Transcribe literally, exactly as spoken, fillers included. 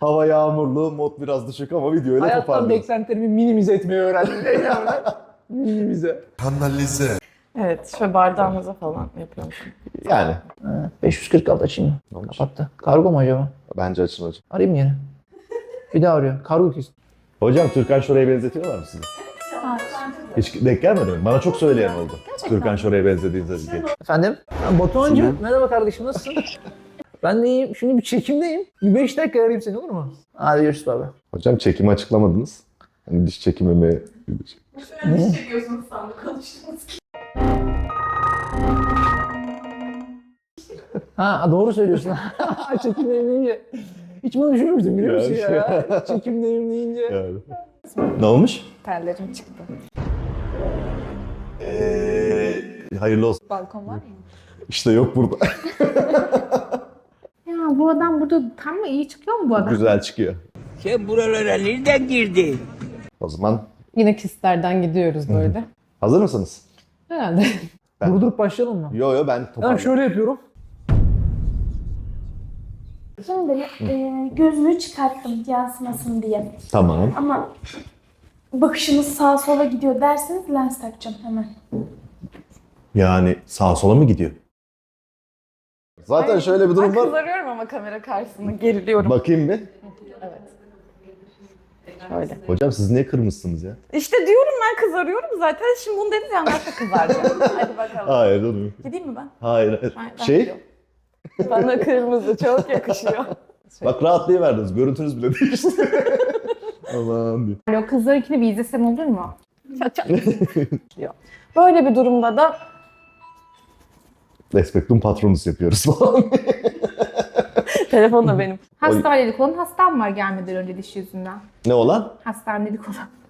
Hava yağmurlu, mod biraz düşük ama videoyla Hayattan toparlıyoruz. beklentilerimi minimize etmeyi öğrendim. minimize. Kanalize. Evet, şöyle bardağımıza falan yapıyormuşum. Yani. Ha, beş yüz kırk altı açayım mı? Olmuş. Kapattı. Kargo mu acaba? Bence açın hocam. Arayayım yine. Bir daha arıyor. Kargo kesin. Hocam Türkan Şoray'a benzetiyorlar mı sizi? Hiç denk gelmedi mi? Bana çok söyleyen oldu. Türkan Şoray'a benzediğinizi diye. Efendim? Ha, Batuhan'cığım merhaba kardeşim nasılsın? Ben de iyiyim. Şimdi bir çekimdeyim. Bir beş dakika arayayım seni olur mu? Hadi görüşürüz abi. Hocam çekimi açıklamadınız. Hani diş çekimi mi? Ne çekiyorsunuz sandık konuştunuz ki. Ha doğru söylüyorsun. Çekimdeyim deyince. Hiç bunu düşünmüştüm biliyor musun Yani. ya? Çekimdeyim deyince. Yani. Ne olmuş? Tellerim çıktı. Ee, hayırlı olsun. Balkon var mı? İşte yok burada. Ya bu adam burada tam mı iyi çıkıyor mu bu adam? Güzel çıkıyor. Sen buralara nereden girdin? O zaman Yine kistlerden gidiyoruz böyle. hazır mısınız? Herhalde. Ben- Durdurup başlayalım mı? Yo yo ben Ben toparladım. şöyle yapıyorum. Şimdi e, gözlüğü çıkarttım yansımasın diye. Tamam. Ama bakışınız sağa sola gidiyor derseniz lens takacağım hemen. Yani sağa sola mı gidiyor? Zaten şöyle bir durum Ben var. kızarıyorum ama kamera karşısında geriliyorum. Bakayım bir. Evet. Şöyle. Hocam siz niye kırmışsınız ya? İşte diyorum ben kızarıyorum zaten. Şimdi bunu dediniz ya nasıl kızaracağım. Hadi bakalım. Hayır dur. Gideyim mi ben? Hayır hayır. Ben- ben Şey, gidiyorum. Bana kırmızı çok yakışıyor. bak rahatlayıverdiniz. Görüntünüz bile değişti. Aman diye. Yani o kızlarınkini bir izlesem olur mu? Çat çat. Böyle bir durumda da Respektum patronus yapıyoruz falan. telefon da benim. Hastanelik olan hastam var gelmeden önce diş yüzünden. Ne olan? Hastanelik olan.